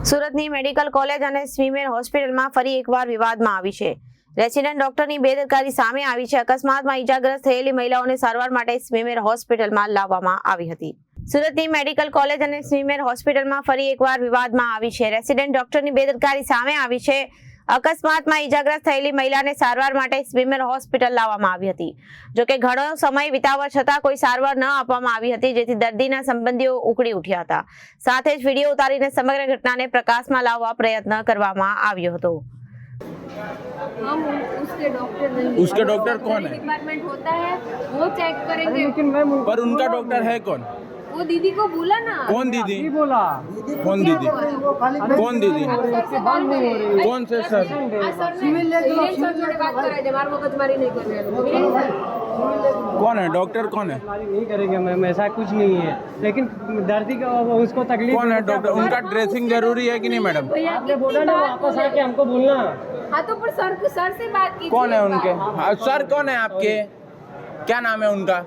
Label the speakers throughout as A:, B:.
A: સુરતની medical college અને સ્વીમેર હોસ્પિટલમાં ફરી એકવાર વિવાદમાં આવી છે. રેસિડેન્ટ ડોક્ટરની બેદરકારી સામે આવી છે. અકસ્માતમાં ઈજાગ્રસ્ત થયેલી મહિલાઓને સારવાર માટે સ્વીમેર હોસ્પિટલમાં લાવવામાં આવી હતી. સુરતની મેડિકલ કોલેજ અને સ્વીમેર હોસ્પિટલમાં ફરી એકવાર વિવાદમાં આવી છે. રેસિડેન્ટ ડોક્ટરની બેદરકારી સામે આવી છે. અકસ્માતમાં ઈજાગ્રસ્ત થયેલી મહિલાને સારવાર માટે સ્વીમેર હોસ્પિટલ લાવવામાં આવી હતી. જોકે ઘણો સમય વિતાવવા છતાં કોઈ સારવાર ન આપવામાં આવી હતી, જેથી દર્દીના સંબંધીઓ ઉકળી ઉઠ્યા હતા. સાથે જ વિડીયો ઉતારીને સમગ્ર ઘટનાને પ્રકાશમાં લાવવા પ્રયત્ન કરવામાં આવ્યો હતો.
B: हम उसके डॉक्टर नहीं,
C: उसके डॉक्टर कौन है?
B: डिपार्टमेंट होता है वो चेक करेंगे।
D: लेकिन मैम
C: पर उनका डॉक्टर है कौन?
B: वो दीदी को बोला ना,
C: कौन दीदी?
D: नहीं बोला।
C: कौन दीदी? कौन दीदी?
B: सर से बात नहीं हो रही।
C: कौन से सर?
B: सिविल सर जोड़े बात कराई दे, मार मगजमारी नहीं करने वाले।
C: कौन है डॉक्टर? कौन है?
D: हमारी नहीं करेंगे मैम, ऐसा कुछ नहीं है, लेकिन दर्दी का उसको तकलीफ
C: कौन है डॉक्टर? उनका ड्रेसिंग जरूरी है कि नहीं मैडम?
B: भैया
D: आपने बोला ना वापस आके हमको बोलना।
B: हाँ तो पर सर से बात की।
C: कौन है उनके? हाँ, सर कौन है आपके? क्या नाम है उनका?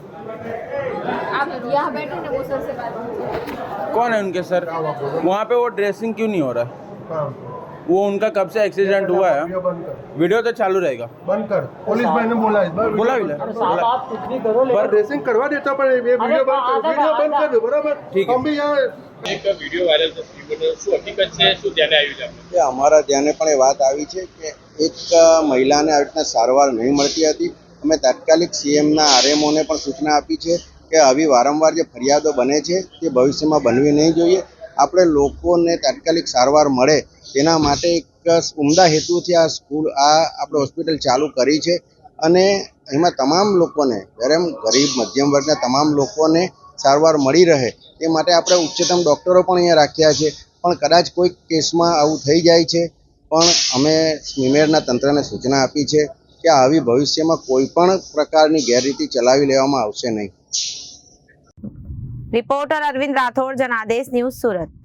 B: आप यहाँ बैठे ना, वो सर से बात कीजिए।
C: कौन है उनके सर? वहाँ पे वो ड्रेसिंग क्यों नहीं हो रहा? वो उनका कब से एक्सीडेंट हुआ है? वीडियो तो चालू रहेगा।
E: बंद कर। पुलिस मैंने बोला इस बार
C: बोला भी
D: साहब आप कुछ भी करो,
C: पर
E: ड्रेसिंग करवा देता पर ये वीडियो बंद कर दो बराबर।
C: ठीक है।
E: हम भी यहाँ
F: એક વિડીયો વાયરલ થયો, શું હકીકત છે, શું ધ્યાને આવ્યું છે આપણે?
G: કે અમારા ધ્યાને પણ એ વાત આવી છે કે એક મહિલાને આવી રીતના સારવાર નહીં મળતી હતી. અમે તાત્કાલિક સીએમના આરએમઓને પણ સૂચના આપી છે કે આવી વારંવાર જે ફરિયાદો બને છે તે ભવિષ્યમાં બનવી નહીં જોઈએ. આપણે લોકોને તાત્કાલિક સારવાર મળે તેના માટે એક ઉમદા હેતુથી આ આપણે હોસ્પિટલ ચાલુ કરી છે અને એમાં તમામ લોકોને, ગરીબ મધ્યમ વર્ગના તમામ લોકોને સારવાર મળી રહે તે માટે આપણે ઉચ્ચતમ ડૉક્ટરો પણ અહીંયા રાખ્યા છે. પણ કદાચ કોઈ કેસમાં આવું થઈ જાય છે, પણ અમે સ્વીમેરના તંત્રને સૂચના આપી છે કે આવી ભવિષ્યમાં કોઈ પણ પ્રકારની ગેરરીતિ ચલાવી લેવામાં આવશે નહીં.
A: Reporter Arvind Rathod, Janadesh news, Surat.